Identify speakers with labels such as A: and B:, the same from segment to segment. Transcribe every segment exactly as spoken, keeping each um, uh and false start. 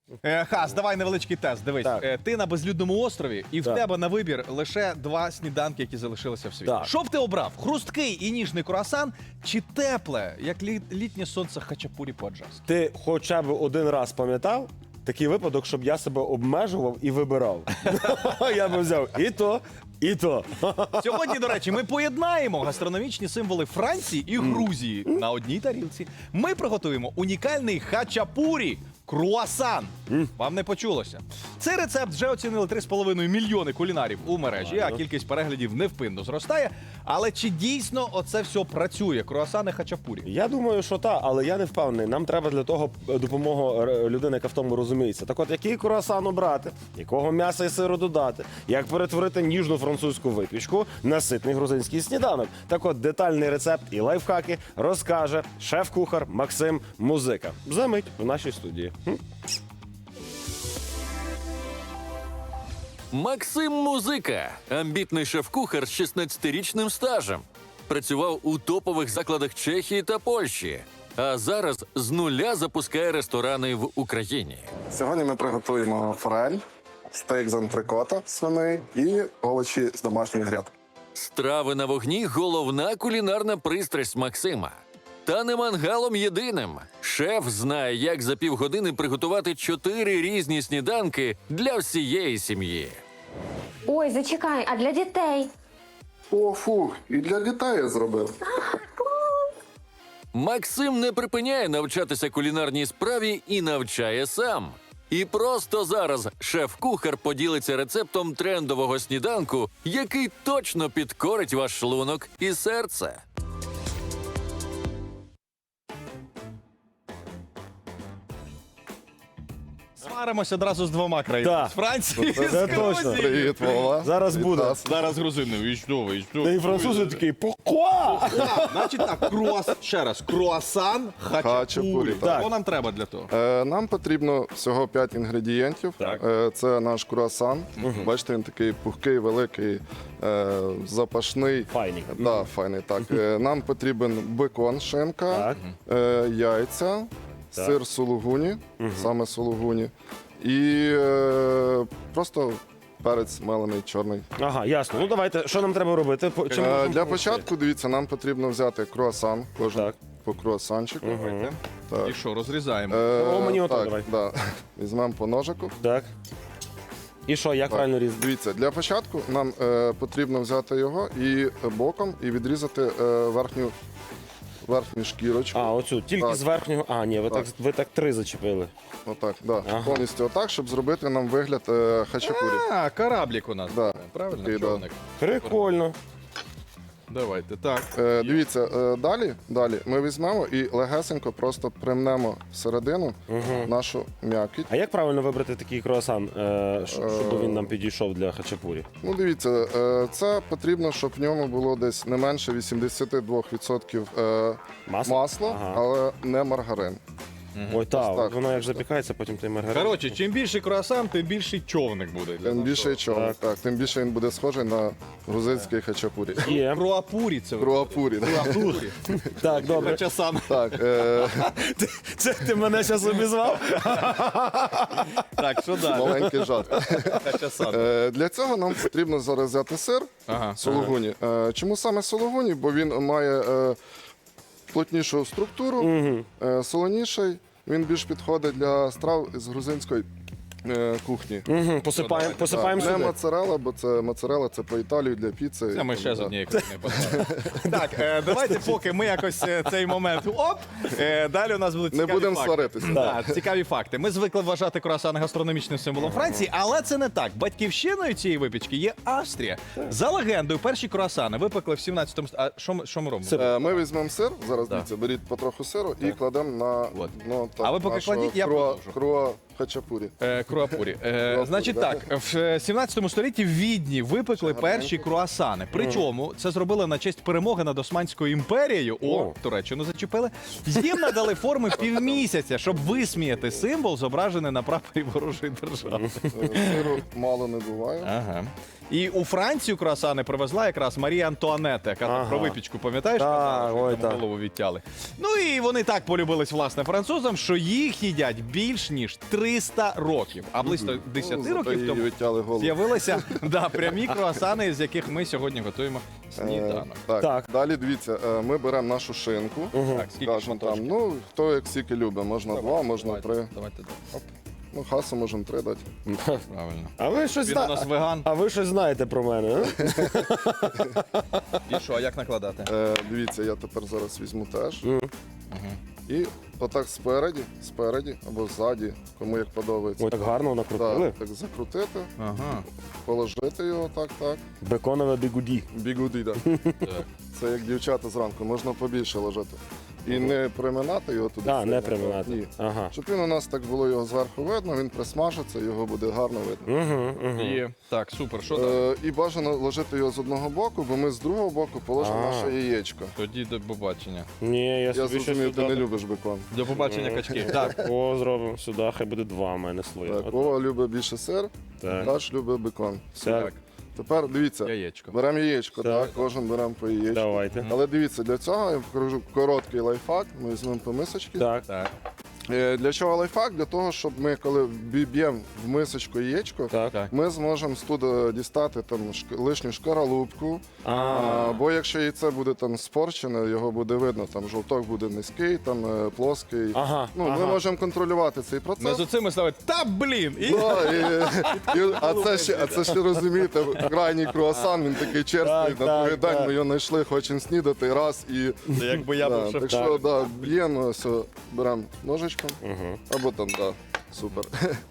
A: Е, Хас, давай невеличкий тест. Дивись,
B: Так.
A: е, ти на безлюдному острові, і в
B: Так.
A: тебе на вибір лише два сніданки, які залишилися в світі.
B: Так.
A: Що б ти обрав? Хрусткий і ніжний круасан чи тепле, як лі- літнє сонце хачапурі по-аджарськи?
B: Ти хоча б один раз пам'ятав такий випадок, щоб я себе обмежував і вибирав. Я би взяв і то, і то.
A: Сьогодні, до речі, ми поєднаємо гастрономічні символи Франції і Грузії на одній тарілці. Ми приготуємо унікальний хачапурі. Круасан. Вам не почулося. Цей рецепт вже оцінили три з половиною мільйони кулінарів у мережі, а кількість переглядів невпинно зростає. Але чи дійсно оце все працює? Круасани хачапурі?
B: Я думаю, що так, але я не впевнений. Нам треба для того допомога р- людини, яка в тому розуміється. Так от, який круасан обрати, якого м'яса і сиру додати, як перетворити ніжну французьку випічку на ситний грузинський сніданок. Так от, детальний рецепт і лайфхаки розкаже шеф-кухар Максим Музика. Замить в нашій студії. Хм?
C: Максим Музика – амбітний шеф-кухар з шістнадцятирічним стажем. Працював у топових закладах Чехії та Польщі. А зараз з нуля запускає ресторани в Україні.
D: Сьогодні ми приготуємо форель, стейк з антрикота свиний і овочі з домашньої грядки.
C: Страви на вогні – головна кулінарна пристрасть Максима. Та не мангалом єдиним. Шеф знає, як за півгодини приготувати чотири різні сніданки для всієї сім'ї.
E: Ой, зачекай, а для дітей?
D: О, фух, і для дітей я зробив.
C: Максим не припиняє навчатися кулінарній справі і навчає сам. І просто зараз шеф-кухар поділиться рецептом трендового сніданку, який точно підкорить ваш шлунок і серце.
A: Сваримося одразу з двома країнами.
B: Так.
A: З Франції,
B: Це
A: з
B: точно.
A: Грузії.
D: Привіт, Вова.
B: Зараз буде.
D: Вітаю.
A: Зараз грузини. І що ви, і що?
B: Та і французи такий «Покуа!»
A: Так, значить так, круас... ще раз, круасан хачапурі.
D: Хачапурі, так.
A: Що нам треба для того?
D: Е, нам потрібно всього п'ять інгредієнтів.
B: Так.
D: Е, це наш круасан. Бачите, він такий пухкий, великий, е, запашний.
B: Файний.
D: Да, файний, так. Е, нам потрібен бекон, шинка,
B: Так.
D: е, яйця,
B: Так.
D: сир сулугуні, саме сулугуні, і е, просто перець мелений чорний.
B: Ага, ясно. Ну давайте, що нам треба робити? По- чим
D: Е,
B: можемо
D: Для
B: допомогти?
D: початку, дивіться, нам потрібно взяти круасан, кожен
B: Так.
D: по круасанчику.
A: Давайте.
D: Так.
A: І що, розрізаємо?
D: Е,
B: О, мені ото
D: так,
B: давай.
D: Да. Візьмемо по ножику.
B: Так. І що, як правильно різати?
D: Дивіться, для початку нам е, потрібно взяти його і боком і відрізати е, верхню, верхню шкірочку.
B: А, оцю, тільки
D: Так.
B: з верхнього. А, ні, ви так,
D: Так.
B: ви так три зачепили.
D: Отак, да.
B: Ага.
D: Повністю отак, щоб зробити нам вигляд е, хачапурі.
A: А, кораблік у нас.
D: Да.
A: Правильно?
D: Такий, да.
A: Човник.
B: Прикольно.
A: Давайте, так.
D: Е, дивіться, е, далі, далі ми візьмемо і легесенько просто примнемо всередину нашу м'якіть.
B: А як правильно вибрати такий круасан, е, щоб щоб він нам підійшов для хачапурі?
D: Ну, дивіться, е, це потрібно, щоб в ньому було десь не менше вісімдесят два відсотки е,
B: Масло?
D: масла,
B: Ага.
D: але не маргарин.
B: Ой, так,
D: так.
B: воно як запікається, потім той маргарин.
A: Коротше, чим більший круасан, тим більший човник буде. для
D: Тим
A: нас.
D: більше чого,
B: Так.
D: так, тим більше він буде схожий на грузинський хачапурі.
B: Є.
A: Круапурі це.
D: Круапурі. да.
A: Круапурі.
B: Так, добре.
A: Хачасан.
D: Так, е,
B: Це ти мене зараз обізвав?
A: Так, що далі?
D: маленький жарт.
A: Хачасан.
D: Е, Для цього нам потрібно зараз взяти сир
A: Ага.
D: сулугуні. Е, Чому саме сулугуні? Бо він має е, плотнішу структуру, е, солоніший. Він більш підходить для страв з грузинської е, кухні.
B: Угу, посипаємо, посипаємо
D: Не
B: сюди.
D: моцарелла, бо це моцарелла, це по Італію для піци.
A: Це ми ще з
D: Да.
A: однієї країни поставимо. Так, е, давайте поки ми якось е, цей момент оп, е, далі у нас будуть
D: Не
A: цікаві
D: будемо
A: факти.
D: сваритися.
A: Да, цікаві факти. Ми звикли вважати круасан гастрономічним символом Франції, але це не так. Батьківщиною цієї випічки є Австрія. За легендою, перші круасани випекли в сімнадцятому... А що ми, що ми робимо?
B: Сир.
D: Е, Ми візьмемо сир, зараз дивіться, беріть потроху сиру і кладемо на
A: От.
D: дно
A: А ви поки
D: нашого
A: кладіть, я
D: круа,
A: продовжу.
D: круа хачапурі.
A: Е, Круапурі. Е,
D: Круапурі,
A: значить
D: да.
A: так, в сімнадцятому столітті в Відні випекли перші круасани. Причому це зробили на честь перемоги над Османською імперією. О,
B: О.
A: Туреччину зачепили. Їм надали форми півмісяця, щоб висміяти символ, зображений на прапорі ворожої держави.
D: Е, Сиру мало не буває.
A: Ага. І у Францію круасани привезла якраз Марія Антуанетта, яка
B: Ага.
A: про випічку, пам'ятаєш?
B: Так,
A: казала, що
B: ой,
A: йому
B: так.
A: голову відтяли. Ну і вони так полюбились, власне, французам, що їх їдять більш ніж три триста років. А близько десять
D: Ну,
A: років
D: зато
A: тому
D: їй відтяли голову.
A: з'явилися да, прямі круасани, з яких ми сьогодні готуємо сніданок.
D: Е, Так.
B: Так.
D: Далі дивіться, е, ми беремо нашу шинку.
A: Так, скільки
D: Скажімо
A: шматочків?
D: там, ну, хто як скільки любить, можна два, можна
A: Давайте,
D: три.
A: Давайте, оп,
D: Ну, хасу можемо три дати.
A: правильно.
B: А ви щось
A: Він
B: зна-
A: у нас веган.
B: А ви щось знаєте про мене? а?
A: І що, а як накладати?
D: Е, дивіться, я тепер зараз візьму теж. І отак спереді, спереді або ззаді, кому як подобається.
B: Ой, так гарно накрутили.
D: Так, так закрутити,
A: Ага.
D: положити його так, так.
B: Беконове бігуді.
D: Бігуди, так.
A: Так.
D: Це як дівчата зранку, можна побільше ложити. І не приминати його туди.
B: Так, не
D: сильно,
B: приминати.
D: Ні.
B: Ага.
D: Щоб він у нас так було його зверху видно, він присмажиться, його буде гарно видно.
B: Угу, угу.
A: Є. Так, супер. Що далі?
D: Е, і бажано ложити його з одного боку, бо ми з другого боку положимо
B: А.
D: наше яєчко.
A: Тоді до побачення.
B: Ні, я
D: Я
B: собі щось
D: зрозумів, ти не
B: сюди.
D: любиш бекон.
A: До побачення, качки. Так.
B: О, зробимо сюди, хай буде два в мене слої.
D: Так,
B: От
D: Вова любить більше сир,
B: Так.
D: Даш любить бекон.
B: Так,
D: Тепер дивіться,
A: Яєчко.
D: беремо яєчко,
B: Так.
D: так, кожен беремо по яєчку.
B: давайте.
D: Але дивіться, для цього я покажу короткий лайфхак. Ми візьмемо по мисочці.
B: Так.
A: Так.
D: Е, Для чого лайфхак? Для того, щоб ми, коли б'ємо в мисочку яєчко,
B: Так.
A: Так.
D: ми зможемо з туди дістати там шк- лишню шкаралупку.
B: А,
D: А, бо якщо яйце буде там спорчене, його буде видно, там жовток буде низький, там е, плоский.
B: Ага,
D: Ну,
B: ага.
D: Ми можемо контролювати цей процес.
A: Ми з оцими ставимо, та блін! І...
D: Да, і, і, а, це ще, а це ще розумієте, крайній круасан, він такий черствий,
B: Так,
D: на
B: так,
D: другий день
B: так.
D: ми його знайшли, хочемо снідати, раз і.
A: Якби я
D: Да,
A: був шеф.
D: так що да, б'ємо, все, беремо ножичком,
B: Угу.
D: або там, да, супер.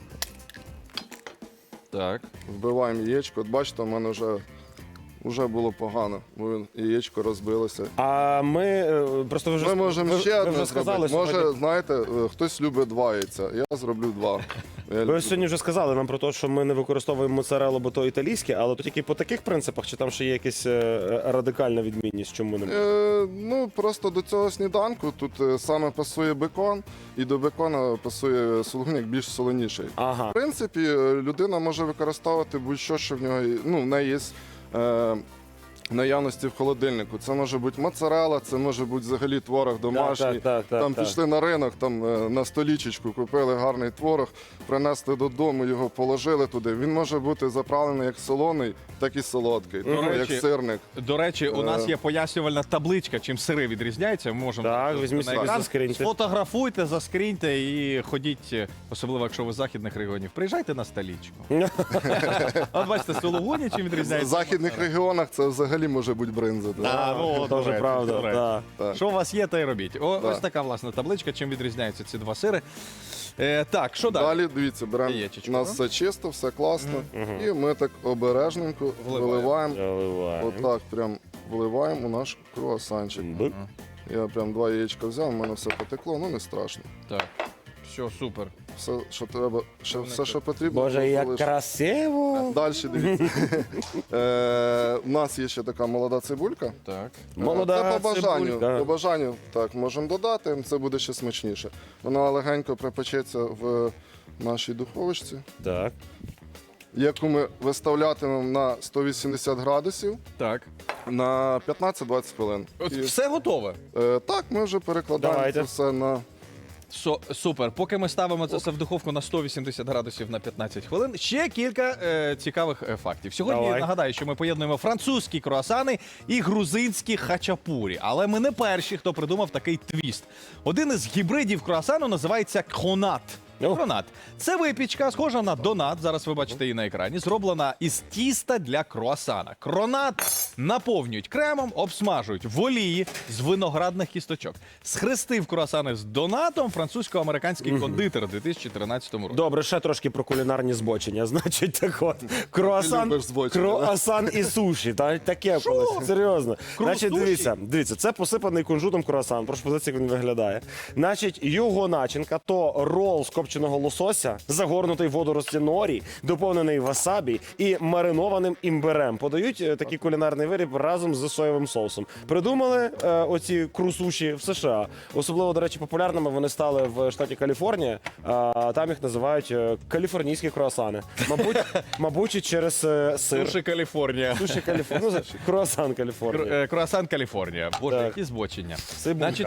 A: Так.
D: Вбиваємо яєчко. От бачите, у мене вже, вже було погано, бо він- яєчко розбилося.
B: А ми е, просто ви вже
D: Ми можемо
B: ви-
D: ще
B: ви
D: одне
B: вже сказали.
D: зробити. Може,
B: сьогодні-
D: знаєте, е, хтось любить два яйця, я зроблю два. Я
B: Ви
D: люблю.
B: сьогодні вже сказали нам про те, що ми не використовуємо моцареллу, бо то італійське, але то тільки по таких принципах, чи там ще є якась е, радикальна відмінність, чому не
D: Е, ну, просто до цього сніданку тут е, саме пасує бекон, і до бекона пасує сулугуняк більш солоніший.
B: Ага.
D: В принципі, е, людина може використовувати будь-що, що в нього є- ну, в неї є. Е, Наявності в холодильнику. Це може бути моцарелла, це може бути взагалі творог домашній.
B: так, так, так,
D: там
B: так.
D: пішли на ринок, там е, на столічечку купили гарний творог, принесли додому, його положили туди. Він може бути заправлений як солоний, так і солодкий,
A: До
D: тому
A: речі,
D: як сирник.
A: До речі, у нас
D: Е.
A: є пояснювальна табличка, чим сири відрізняються. Ми можемо
B: Так,
A: просто
B: візьміть
A: на
B: собі,
A: екран.
B: заскріньте.
A: Сфотографуйте, заскріньте і ходіть, особливо якщо ви з західних регіонів. Приїжджайте на столічку. От бачите, сулугуні чим
D: В
A: відрізняється.
D: західних регіонах це взагалі може бути бринза. да.
A: А, ну,
B: Це
A: до
B: вже
A: речі,
B: правда.
A: до речі.
B: Так.
D: Так.
A: Що у вас є, то й робіть. О,
D: Так.
A: Ось така власна табличка, чим відрізняються ці два сири. Е, так, що далі?
D: Далі, дивіться, беремо,
A: Яєчечко,
D: у нас все чисто, все класно. І ми так обережненько
A: Вливаємо.
D: виливаємо.
B: Заливаємо.
D: Отак прям вливаємо у наш круасанчик.
B: Бик.
D: Я прям два яєчка взяв, у мене все потекло, ну не страшно.
A: Так. Все, супер.
D: Все, що треба, ще, все, що потрібно.
B: Боже,
D: було
B: як
D: залишити.
B: красиво!
D: Далі дивіться. Е, У нас є ще така молода цибулька.
A: Так.
B: Молода
D: Це по бажанню.
B: цибулька.
D: По бажанню так можемо додати, це буде ще смачніше. Вона легенько припечеться в нашій духовочці,
B: Так.
D: яку ми виставлятимемо на сто вісімдесят градусів
A: Так.
D: на п'ятнадцять-двадцять хвилин.
A: От
D: І,
A: все готове.
D: е, так, ми вже перекладаємо
B: Давайте.
D: це все на.
A: Со, супер. Поки ми ставимо це все в духовку на сто вісімдесят градусів на п'ятнадцять хвилин, ще кілька е, цікавих е, фактів. Сьогодні
B: Давай.
A: нагадаю, що ми поєднуємо французькі круасани і грузинські хачапурі. Але ми не перші, хто придумав такий твіст. Один із гібридів круасану називається кронат.
B: Ну.
A: Кронат – це випічка, схожа на донат. Зараз ви бачите її на екрані. Зроблена із тіста для круасана. Кронат наповнюють кремом, обсмажують в олії з виноградних кісточок. Схрестив круасани з донатом французько-американський кондитер у дві тисячі тринадцятому році.
B: Добре, ще трошки про кулінарні збочення. Значить, так от, круасан,
D: любиш збочення,
B: круасан і суші. Та, таке колись, серйозно. Значить,
A: суші?
B: дивіться, дивіться, це посипаний кунжутом круасан. Прошу подивитися, як він виглядає. Значить, його начинка то рол з копченого лосося, загорнутий в водорості норі, доповнений васабі і маринованим імбирем. Подають е, такий кулінарний виріб разом з соєвим соусом. Придумали е, оці крусуші в США. Особливо, до речі, популярними вони стали в штаті Каліфорнія. А там їх називають е, каліфорнійські круасани. Мабуть, мабуть, і через е, сир.
A: Суші Каліфорнія.
B: Суші Каліфорнія. Ну, круасан
A: Кру-
B: Каліфорнія.
A: е, Круасан Каліфорнія. Боже,
B: Так.
A: які збочення.
B: Цибулька.
A: Значить так,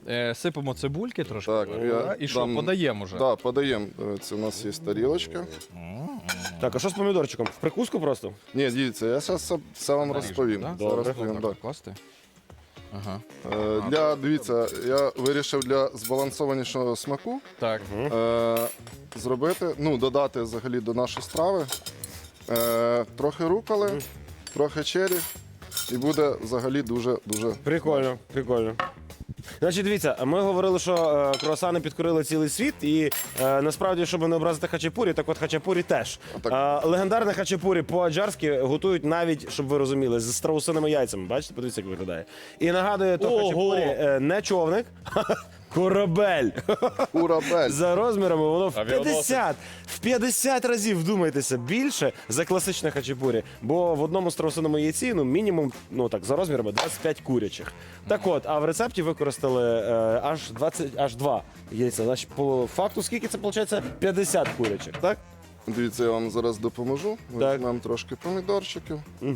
A: Е, сипемо цибульки трошки.
D: Так,
A: да?
D: я
A: І що,
D: дам-
A: подаємо вже?
D: Да, подаємо. Це у нас є тарілочка.
B: Так, а що з помідорчиком? В прикуску просто?
D: Ні, дивіться, я зараз все, все вам
A: Наріжемо,
D: розповім.
A: да?
D: Зараз
B: Добре.
D: розповім, да.
A: Класти? Ага.
D: Е, Для, дивіться, я вирішив для збалансованішого смаку
A: Так.
D: е, зробити, ну, додати взагалі до нашої страви е, трохи руколи, трохи чері, і буде взагалі дуже-дуже.
B: Прикольно, прикольно. Значить, дивіться, ми говорили, що е, круасани підкорили цілий світ, і е, насправді, щоб не образити хачапурі, так от хачапурі теж.
D: Так.
B: Е, легендарне хачапурі по-аджарськи готують навіть, щоб ви розуміли, з страусиними яйцями. Бачите, подивіться, як виглядає. І нагадує, то
A: Ого!
B: хачапурі е, не човник, корабель.
D: Урабель.
B: За розмірами воно в
A: Авіаносець.
B: п'ятдесят, в п'ятдесят разів, вдумайтеся, більше за класичне хачапурі. Бо в одному страусиному яйці, ну, мінімум, ну так, за розмірами двадцять п'ять курячих. Так от, а в рецепті використали е, аж двадцять, аж два яйця. Значить, по факту, скільки це виходить? п'ятдесят курячих, так?
D: Дивіться, я вам зараз допоможу.
B: Так.
D: Візьмемо трошки помідорчиків.
B: Угу.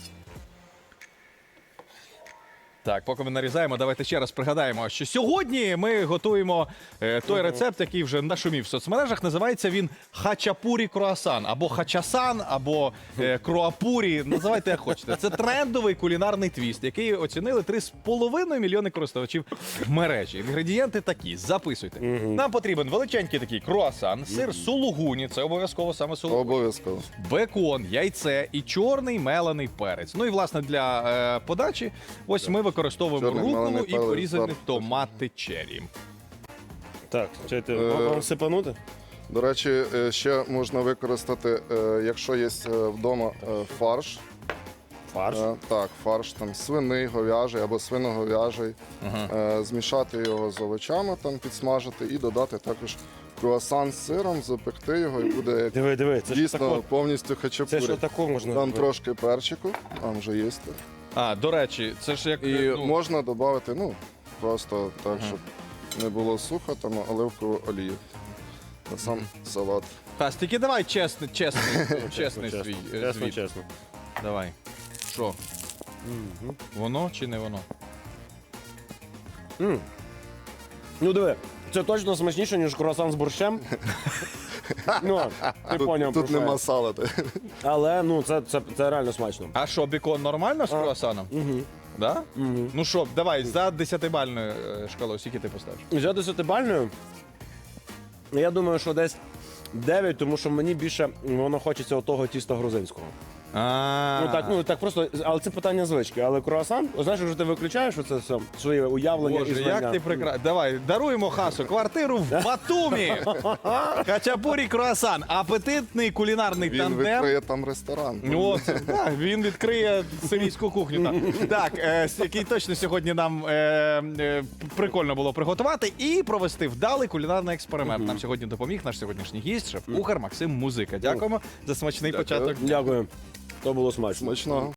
A: Так, поки ми нарізаємо, давайте ще раз пригадаємо, що сьогодні ми готуємо е, той рецепт, який вже нашумів в соцмережах. Називається він хачапурі круасан, або хачасан, або е, круапурі. Називайте як хочете. Це трендовий кулінарний твіст, який оцінили три з половиною мільйони користувачів в мережі. Інгредієнти такі, записуйте. Нам потрібен величенький такий круасан, сир сулугуні, це обов'язково саме сулугуні.
D: Обов'язково.
A: Бекон, яйце і чорний мелений перець. Ну і власне для е, подачі ось ми використовуємо
D: Чорний
A: руколу
D: мелений
A: і
D: перець,
A: порізані
D: так.
A: томати черрі.
B: Так, чайте,
D: Е,
B: вам сипанути?
D: До речі, е, ще можна використати, е, якщо є е, вдома е, фарш.
B: Фарш.
D: Е, Так, фарш там свиний, говяжий або свиноговяжий. Е, Змішати його з овочами, там підсмажити і додати також круасан з сиром, запекти його і буде як
B: Диви, диви, це ж
D: дійсно
B: тако,
D: повністю
B: це
D: хачапурі.
B: ж тако можна
D: Там
B: робити.
D: трошки перчику, там вже є.
A: А, до речі, це ж як
D: І
A: е, ну,
D: можна додати, ну, просто так, щоб не було сухо, там оливкову олію. На сам салат.
A: Тас, тільки давай чесний, чесний, чесний
B: Чесно,
A: свій е,
B: чесно,
A: звіт.
B: чесно.
A: Давай. Що? Воно чи не воно?
B: М. Ну диви, це точно смачніше, ніж круасан з борщем. Ну, ти поняв,
D: Тут,
B: про
D: тут
B: що я.
D: нема салати.
B: Але ну це, це, це реально смачно.
A: А що, бікон нормально з круасаном?
B: Угу.
A: Да? Ну що, давай, за десятибальною е, шкалою, скільки ти поставиш?
B: За десятибальною, я думаю, що десь дев'ять, тому що мені більше воно хочеться отого тіста грузинського.
A: А,
B: Ну так, ну так просто, але це питання звички. Але круасан, знаєш, вже ти виключаєш оце все своє уявлення і
A: Боже,
B: знання.
A: як ти прекрасно. Давай, даруємо Хасу квартиру в Батумі. Хачапурі круасан. Апетитний кулінарний
D: Він
A: тандем.
D: відкриє там ресторан.
A: Ну, це, так, він відкриє сирійську кухню. Так, так е, с- який точно сьогодні нам е, е, прикольно було приготувати і провести вдалий кулінарний експеримент. Нам сьогодні допоміг наш сьогоднішній гість, шеф-кухар Максим Музика. Дякуємо за смачний
D: Дякую.
A: початок.
B: Дякую. То було смачно.
D: Смачного.